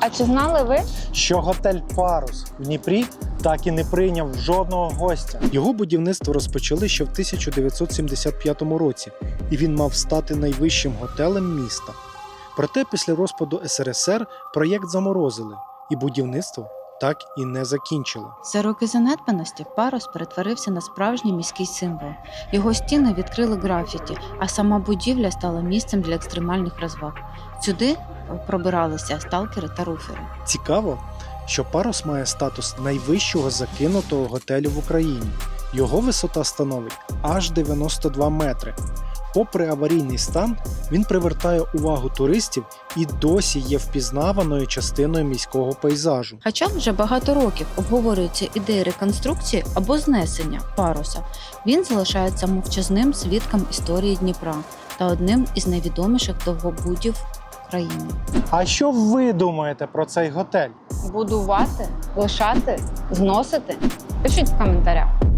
А чи знали ви? Що готель «Парус» в Дніпрі так і не прийняв жодного гостя. Його будівництво розпочали ще в 1975 році, і він мав стати найвищим готелем міста. Проте після розпаду СРСР проєкт заморозили, і будівництво так і не закінчили. За роки занедбаності Парус перетворився на справжній міський символ. Його стіни відкрили графіті, а сама будівля стала місцем для екстремальних розваг. Сюди пробиралися сталкери та руфери. Цікаво, що «Парус» має статус найвищого закинутого готелю в Україні. Його висота становить аж 92 метри. Попри аварійний стан, він привертає увагу туристів і досі є впізнаваною частиною міського пейзажу. Хоча вже багато років обговорюються ідеї реконструкції або знесення Паруса, він залишається мовчазним свідком історії Дніпра та одним із найвідоміших довгобудів країни. А що ви думаєте про цей готель? Будувати, лишати, зносити? Пишіть в коментарях.